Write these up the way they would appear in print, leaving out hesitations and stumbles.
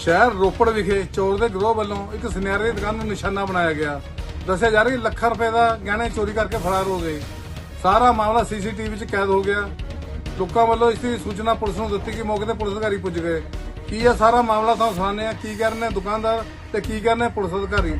ਸ਼ਹਿਰ ਰੋਪੜ ਵਿਖੇ ਚੋਰ ਦੇ ਗਰੋਹ ਵੱਲੋਂ ਇੱਕ ਸੁਨਿਆਰੇ ਦੀ ਦੁਕਾਨ ਨੂੰ ਨਿਸ਼ਾਨਾ ਬਣਾਇਆ ਗਿਆ। ਦੱਸਿਆ ਜਾ ਰਿਹਾ ਕਿ ਲੱਖਾਂ ਰੁਪਏ ਦਾ ਗਹਿਣੇ ਚੋਰੀ ਕਰਕੇ ਫਰਾਰ ਹੋ ਗਏ। ਸਾਰਾ ਮਾਮਲਾ ਸੀਸੀਟੀਵੀ 'ਚ ਕੈਦ ਹੋ ਗਿਆ। ਲੋਕਾਂ ਵੱਲੋਂ ਇਸ ਦੀ ਸੂਚਨਾ ਪੁਲਿਸ ਨੂੰ ਦਿੱਤੀ ਕਿ ਮੌਕੇ ਤੇ ਪੁਲਿਸ ਅਧਿਕਾਰੀ ਪੁੱਜ ਗਏ। ਕੀ ਇਹ ਸਾਰਾ ਮਾਮਲਾ ਤੁਹਾਨੂੰ ਸੁਣਾਉਂਦੇ ਆ, ਕੀ ਕਹਿ ਰਹੇ ਨੇ ਦੁਕਾਨਦਾਰ ਤੇ ਕੀ ਕਹਿ ਰਹੇ ਨੇ ਪੁਲਿਸ ਅਧਿਕਾਰੀ।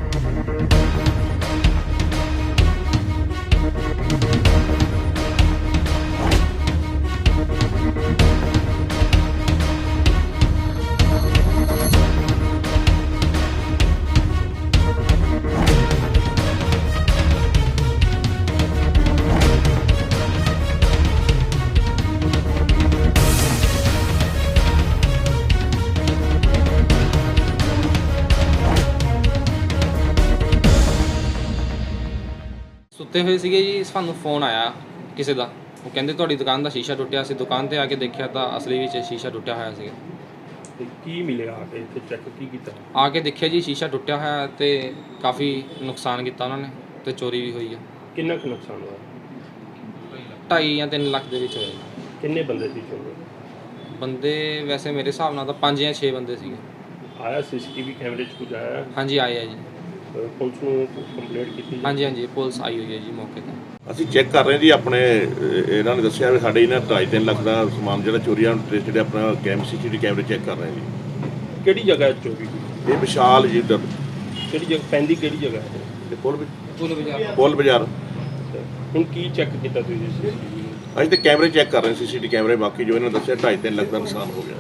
ਸੁੱਤੇ ਹੋਏ ਸੀਗੇ ਜੀ, ਸਾਨੂੰ ਫੋਨ ਆਇਆ ਕਿਸੇ ਦਾ। ਉਹ ਕਹਿੰਦੇ ਤੁਹਾਡੀ ਦੁਕਾਨ ਦਾ ਸ਼ੀਸ਼ਾ ਟੁੱਟਿਆ ਸੀ। ਦੁਕਾਨ ਤੇ ਆ ਕੇ ਦੇਖਿਆ ਤਾਂ ਅਸਲੀ ਵਿੱਚ ਸ਼ੀਸ਼ਾ ਟੁੱਟਿਆ ਹੋਇਆ ਸੀਗਾ। ਤੇ ਕੀ ਮਿਲਿਆ ਆ ਕੇ ਇੱਥੇ ਚੈੱਕ ਕੀ ਕੀਤਾ? ਆ ਕੇ ਦੇਖਿਆ ਜੀ ਸ਼ੀਸ਼ਾ ਟੁੱਟਿਆ ਹੋਇਆ ਤੇ ਕਾਫੀ ਨੁਕਸਾਨ ਕੀਤਾ ਉਹਨਾਂ ਨੇ ਤੇ ਚੋਰੀ ਵੀ ਹੋਈ ਆ। ਕਿੰਨਾ ਕੁ ਨੁਕਸਾਨ ਹੋਇਆ? 2.5 ਜਾਂ 3 ਲੱਖ ਦੇ ਵਿੱਚ ਹੋਇਆ। ਕਿੰਨੇ ਬੰਦੇ ਸੀ ਚੋਰ? ਬੰਦੇ ਵੈਸੇ ਮੇਰੇ ਹਿਸਾਬ ਨਾਲ ਤਾਂ 5 ਜਾਂ 6 ਬੰਦੇ ਸੀਗੇ। ਆਇਆ ਸੀਸੀਟੀਵੀ ਕੈਮਰੇ 'ਚ ਕੁਝ ਆਇਆ? ਹਾਂਜੀ ਆਏ ਆ ਜੀ। ਪੁਲਿਸ ਨੂੰ ਕੰਪਲੇਂਟ ਕੀਤੀ? ਹਾਂਜੀ ਪੁਲਿਸ ਆਈ ਹੋਈ ਹੈ ਜੀ ਮੌਕੇ ਤੇ। ਅਸੀਂ ਚੈੱਕ ਕਰ ਰਹੇ ਜੀ ਆਪਣੇ ਇਹਨਾਂ ਨੇ ਦੱਸਿਆ ਵੀ ਸਾਡੇ ਇਹਨਾਂ 2.5-3 ਲੱਖ ਦਾ ਸਮਾਨ ਜਿਹੜਾ ਚੋਰੀ ਆ ਟ੍ਰੇਸਡ ਆਪਣਾ ਸੀਸੀਟੀਵੀ ਕੈਮਰੇ ਚੈੱਕ ਕਰ ਰਹੇ ਜੀ। ਕਿਹੜੀ ਜਗ੍ਹਾ ਚੋਰੀ ਹੋਈ? ਇਹ ਵਿਸ਼ਾਲ ਜੀ ਉੱਧਰ ਕਿਹੜੀ ਜਗ੍ਹਾ ਪੈਂਦੀ? ਕਿਹੜੀ ਜਗ੍ਹਾ ਹੈ? ਤੇ ਬਾਜ਼ਾਰ ਪੁੱਲ ਬਾਜ਼ਾਰ। ਹੁਣ ਕੀ ਚੈੱਕ ਕੀਤਾ ਤੁਸੀਂ? ਅਸੀਂ ਤੇ ਕੈਮਰੇ ਚੈੱਕ ਕਰ ਰਹੇ ਸੀਸੀਟੀਵੀ ਕੈਮਰੇ। ਬਾਕੀ ਜੋ ਇਹਨਾਂ ਨੇ ਦੱਸਿਆ 2.5-3 ਲੱਖ ਦਾ ਨੁਕਸਾਨ ਹੋ ਗਿਆ।